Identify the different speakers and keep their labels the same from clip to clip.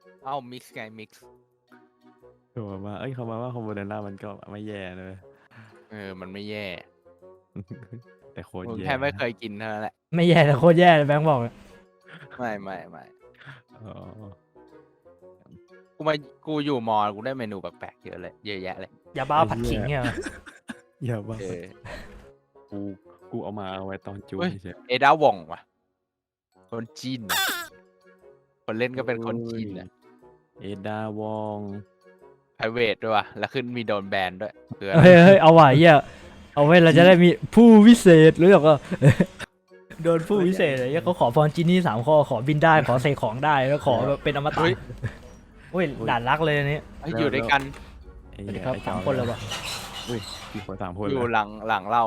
Speaker 1: เอามิกซ์ไงมิกซ์
Speaker 2: คือแบบว่าเขามาว่าคอมโบเดน่ามันก็ไม่แย่เลย
Speaker 1: มันไม่แย่
Speaker 2: แต่โคตร
Speaker 1: มึง
Speaker 2: แย่
Speaker 1: แค่ไม่เคยกินเท่านั้นแหละ
Speaker 3: ไม่แย่แต่โคตรแย่เลยแบงค์บอกเลย
Speaker 1: ไม่
Speaker 2: อ๋อ
Speaker 1: กูมากูอยู่มอกูได้เมนูแปลกๆเยอะเลยเยอะแยะเลย
Speaker 3: ยาบ้าผัดขิงเนี่ย
Speaker 2: อย่าบ้า
Speaker 1: เออ
Speaker 2: กูกูเอามาเอาไว้ตอนจู
Speaker 1: เฮ้ย
Speaker 2: เฉย
Speaker 1: เอดาวองว่ะคนจีนนะคนเล่นก็เป็นคนจีนนะ
Speaker 2: เอดาวอง
Speaker 1: ไพรเวทด้วยว่ะแล้วขึ้นมีโดนแบนด้วยคืออะไร
Speaker 3: เฮ้ยเอาว่ะเหี้ยเอาไว้เราจะได้มีผู้วิเศษหรือเปล่า โดนผู้วิเศษเลยเหี้ยเขาขอพรจินี่3 ข้อขอบินได้ขอเสกของได้แล้วขอแบบเป็นอมตะอุ้ยด่านรักเลยอันนี้
Speaker 1: เฮ้ยอยู่ด้วยกัน
Speaker 2: ไอ้
Speaker 3: สวัสดี
Speaker 2: เหี้ย
Speaker 3: ครับ
Speaker 2: ไอ้
Speaker 3: สามคนเลยว่ะ
Speaker 2: อุ้ยกี่คน3 คน
Speaker 1: อยู่
Speaker 2: เลย
Speaker 1: หลังเรา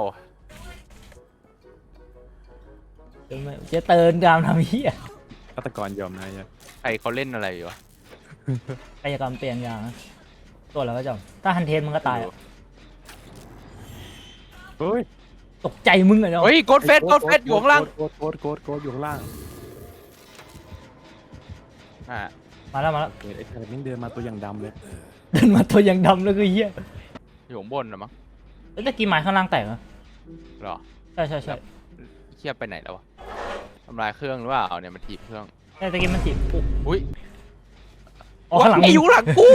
Speaker 3: เจ๊เติร์นกามทำเหี้ย
Speaker 2: ฆาตกรยอมนะไอ้เหี้ย
Speaker 1: ใครเขาเล่นอะไรอยู่วะ
Speaker 3: กายกรรมเปลี่ยนอย่างนะตัวแล้วก็จำถ้าฮันเทนมึงก็ตายอะ
Speaker 2: เฮ้ย
Speaker 3: ตกใจมึงอะเนาะ
Speaker 1: เฮ้ยโกดเฟสอยู่ข้างล่าง
Speaker 2: โกดอยู่ข้างล่าง
Speaker 1: อ่า
Speaker 3: มาแล้ว
Speaker 2: เฮ้ยไอ้แผ่นนี่เดินมาตัวอย่างดำเลย
Speaker 3: เดินมาตัวยังดำแล้วก็เหี้ย
Speaker 1: อยู่ข้างบนนะมั้ง
Speaker 3: แล้วตะกี้ไม้ข้างล่างแตกเหรอ
Speaker 1: หรอ
Speaker 3: ใช่
Speaker 1: เทียบไปไหนแล้ววะทำลายเครื่องหรือเปล่าเนี่ยมันถีบเครื่อง
Speaker 3: แต่ตะกี้มันติด
Speaker 1: อุ้ย
Speaker 3: อ๋อข้างหลัง
Speaker 1: ไอ้อยู่หลังกู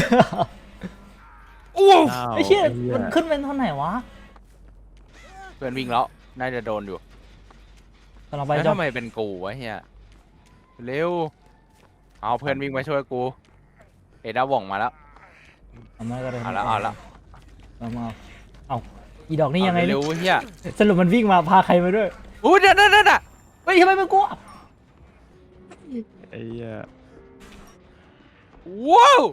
Speaker 1: อู้
Speaker 2: อ้าว
Speaker 3: ไอ้เชี่ย
Speaker 2: ไอ้หี้
Speaker 3: มันขึ้นเป็นเท่าไหร่วะ
Speaker 1: เพื่อนวิ่งแล้วน่าจะโดนอยู่
Speaker 3: กำลังไป
Speaker 1: แล้ว
Speaker 3: จอ
Speaker 1: ทำไมเป็นกูวะเฮียเร็วเอาเพื่อนวิ่งมาช่วยกูเอดาว่องมาแล้ว
Speaker 3: เอามาก็ได้
Speaker 1: เอาละ
Speaker 3: เอาอีดอกนี่ยังไง
Speaker 1: เร็วเฮีย
Speaker 3: สรุปมันวิ่งมาพาใครมาด้วย
Speaker 1: อู้เดี๋ยว
Speaker 3: เฮ้ยทำไมมันกลัว
Speaker 2: ไอ้เหี้ย
Speaker 1: ว้าว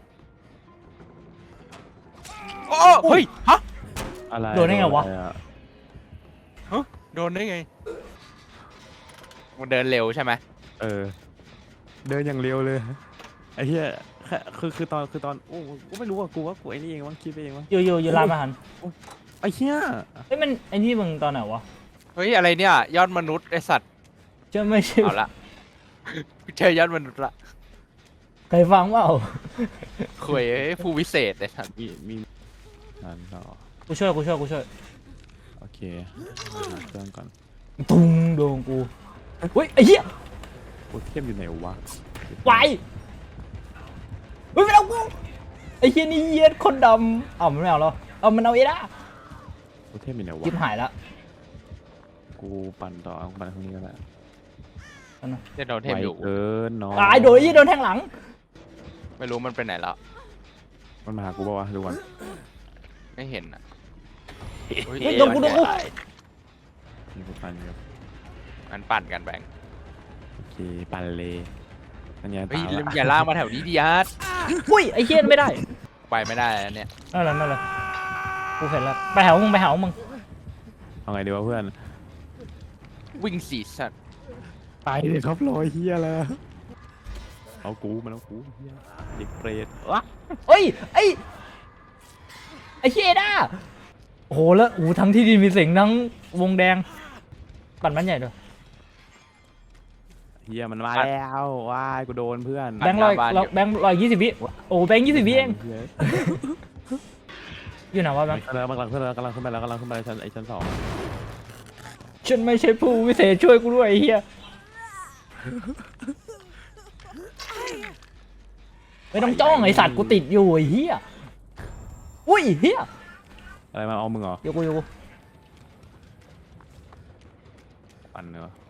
Speaker 1: โอ้เฮ้ยฮะ
Speaker 2: อะไร
Speaker 3: โดนได้ไงวะ
Speaker 2: ออ
Speaker 1: โดนได้ไงมันเดินเร็วใช่ไหม
Speaker 2: เออ เดินอย่างเร็วเลยไอ้เหี้ยแค่คือตอนโอ้กูไม่รู้ว่ากูไอ้นี่เองมั้งคิดไปเองมั้ง
Speaker 3: อยู่ร้านอาหาร
Speaker 2: ไอ้เหี้ย
Speaker 3: เฮ้ยมันไอ้นี่มึงตอนไหนวะ
Speaker 1: เฮ้ยอะไรเนี่ยยอดมนุษย์ไอสัตว์
Speaker 3: จะไม่ใช่
Speaker 1: เอาละเจอยอดมนุษย์ละ
Speaker 3: ใครฟังเปล่า
Speaker 1: คุยผู้วิเศษไอสัตว์
Speaker 2: มีนั่นต่อ
Speaker 3: กูช่วย
Speaker 2: โอเคหาเครื่องก่อน
Speaker 3: ตุ้งโดนกูเฮ้ยไอ้เหี้ย
Speaker 2: โอ้เทียมอยู่ไหนวะ
Speaker 3: ไวเฮ้ยไม่เอากูไอ้เหี้ยนี่เหี้ยคนดำเอามันไม่เอาแล้วเอามันเอาเอด้า
Speaker 2: โอ้เทียมอยู่ไหนวะ
Speaker 3: จิ้มหายละ
Speaker 2: กูปั่นต่อกูปั่นข้างนี้ก็ได้
Speaker 1: เจะโดนเทมอยู่
Speaker 2: ไวเกินน้อง
Speaker 3: ตายโดนไอ้เหี้ยโดนแทงหลัง
Speaker 1: ไม่รู้มันไปไหนแล้ว
Speaker 2: มันมาหากูป่าวะดูก่อน
Speaker 1: ไม่เห็นอ่ะ
Speaker 3: เฮ้ยโดนกู
Speaker 2: นี่กูปั่นอยู่
Speaker 1: มันปั่นกันแบงค์
Speaker 2: โอเคปั่นเลยนั่นไง
Speaker 1: เฮ้ย
Speaker 2: ตามละ
Speaker 1: อย่าลากมาแถวนี้ดิอาร์ต
Speaker 3: อุ้ยไอ้เหี้ยไม่ได้
Speaker 1: ไปไม่ได้แล้วเนี่ย
Speaker 3: นั่นแหละกูเห็นแล้วไปหามึง
Speaker 2: เอาไงดีวะเพื่อน
Speaker 1: วิ่งสีสัตว์
Speaker 2: ไปเลยครับรอยเฮียแล้วเอากูมันเอากูเฮียเด็กเปรตวะ
Speaker 3: เฮ้ยไอ้เหี้ยเอด้าโอ้โหแล้วโอ้โหทั้งที่ดินมีเสียงทั้งวงแดงปั่นมันใหญ่ด้วย
Speaker 2: เฮียมันมาแล้วว้ายกูโดนเพื่อน
Speaker 3: แบงค์120 วิโอ้แบงค์20 วิเอง
Speaker 2: เหี้ย
Speaker 3: อยู่ไหนวะแบงค์
Speaker 2: มันกำลังขึ้นแล้วชั้น 2
Speaker 3: ฉันไม่ใช่ผู้วิเศษช่วยกูด้วยไอ้เหี้ยไม่ต้องจ้องไอ้สัตว์กูติดอยู่ไอ้เหี้ยอุ้ยเหี้ย
Speaker 2: อะไรมาเอามึงเหรอ
Speaker 3: อยู่กู
Speaker 2: ปั่นเนอะ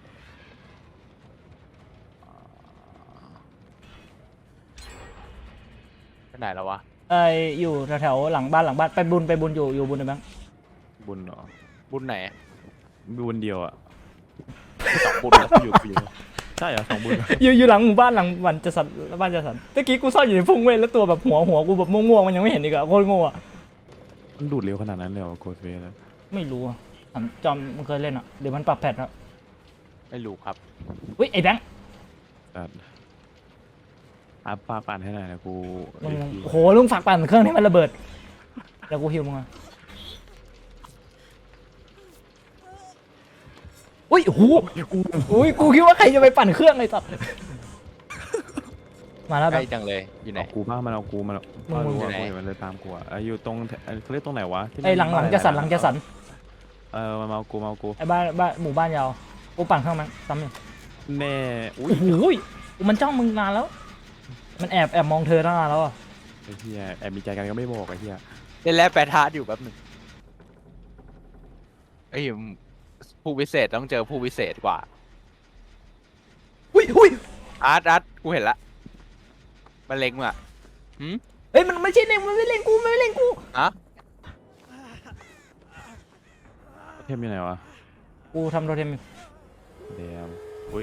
Speaker 1: ไปไหนแล้ววะ
Speaker 3: อยู่แถวๆหลังบ้านไปบุญอยู่บุญนะแบงค์
Speaker 2: บุญเหรอ
Speaker 1: บุญไหน
Speaker 2: บุญเดียวอ่ะ
Speaker 1: สองบุญเหรอ
Speaker 2: อยู่ใช่เหรอ2 บุญ
Speaker 3: อยู่หลังหมู่บ้านหลังบ้านจัดสรรตะกี้กูซ่อนอยู่ในพุ่งเว้ยแล้วตัวแบบหัวกูแบบม่วงๆมันยังไม่เห็นอีกอะโคตรโง่อะ
Speaker 2: มันดูดเร็วขนาดนั้นเลยเหรอโกดเวส
Speaker 3: ไม่รู้อะถามจอมมันเคยเล่นอะเดี๋ยวมันปรับแพทแล้ว
Speaker 1: ไม่รู้ครับ
Speaker 3: อุ้ยไอ้แบงค์
Speaker 2: อัพปาปั่นให้หน่อยนะกู
Speaker 3: มึงโอ้โหลุงฝากปั่นเครื่องให้มันระเบิดเดี๋ยวกูฮิวมึงอะอุ้ยโอ้โหอุ้ยกูคิดว่าใครจะไปปั่นเครื่องไอ้สัสมาแล้ว
Speaker 1: ใก
Speaker 3: แบ
Speaker 1: ล้
Speaker 3: บ
Speaker 1: จังเลยอยู่ไหน
Speaker 2: เอากูบ้างมันเอากูมันเอา
Speaker 3: มึง
Speaker 2: รู้
Speaker 1: อยู่
Speaker 2: ว่า
Speaker 1: ไหน
Speaker 2: กูเห็นมันเลยตามกูอ่ะอยู่ตรงเขาเรียกตรงไหนวะที่
Speaker 3: ไอ้หลัง
Speaker 2: บ้า
Speaker 3: จะสัน
Speaker 2: ห
Speaker 3: ห
Speaker 2: ลา
Speaker 3: ลั
Speaker 2: ย
Speaker 3: ง
Speaker 2: ๆ
Speaker 3: จะสัน
Speaker 2: มันมาเอากูมาเอากู
Speaker 3: ไอ้บ้านหมู่บ้านยาวกูปั่นข้างมันซ้ำอยู่
Speaker 2: แน่อุ้ย
Speaker 3: โอ้โหมันจ้องมึงนานแล้ว มันแอบมองเธอตั้งนานแล้วอ่ะ
Speaker 2: ไอ้เหี้ยแอบมีใจกันก็ไม่บอกไอ้เหี้ย
Speaker 1: เล่นแล้วแปรทาร์อยู่แป๊บหนึงไอ้ยผู้วิเศษต้องเจอผู้วิเศษกว่า
Speaker 3: อุ้ย
Speaker 1: อาร์ตกูเห็นละมันเล็งมึงอะ
Speaker 3: เอ้ยมันไม่ใช่เล็งมันไม่เล็งกูมันไม่เล็งกู
Speaker 1: อะ
Speaker 2: เทมอยู่ไหนวะ
Speaker 3: กูทำโทเทมอยู่
Speaker 2: เดมอุ้ย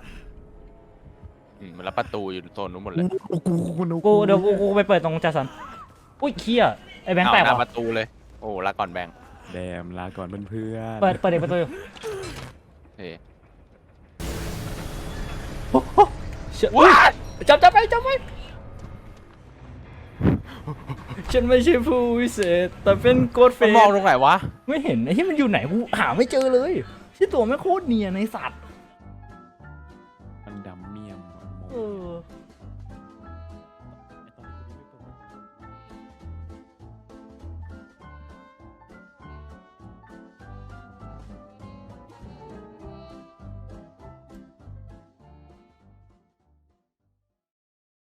Speaker 1: มันรับประตูอยู่โซนนู้นหมดเลย
Speaker 3: กูเดี๋ยวกูไปเปิดตรงจะสันอุ้ยเคียไอ้แบงค์แตก
Speaker 1: หน้าป
Speaker 3: ว่ะ
Speaker 1: ระตูเลยโอ้ลาก่อนแบงค์
Speaker 2: เดมลาก่อนเพื่อน
Speaker 3: เปิดเด็กประตูอยู่
Speaker 1: เฮ้ย
Speaker 3: เชื่ออุ๊ยจับไปฉันไม่ใช่ผู้วิเศษแต่เป็นโกดเฟ
Speaker 1: มัน
Speaker 3: ส
Speaker 1: มองตรงไหนวะ
Speaker 3: ไม่เห็นไอ้ที่มันอยู่ไหนกูหาไม่เจอเลยที่ตัวไม่งโคตรเนียนในสัตว์
Speaker 2: มันดำเมี่ยม
Speaker 3: เออ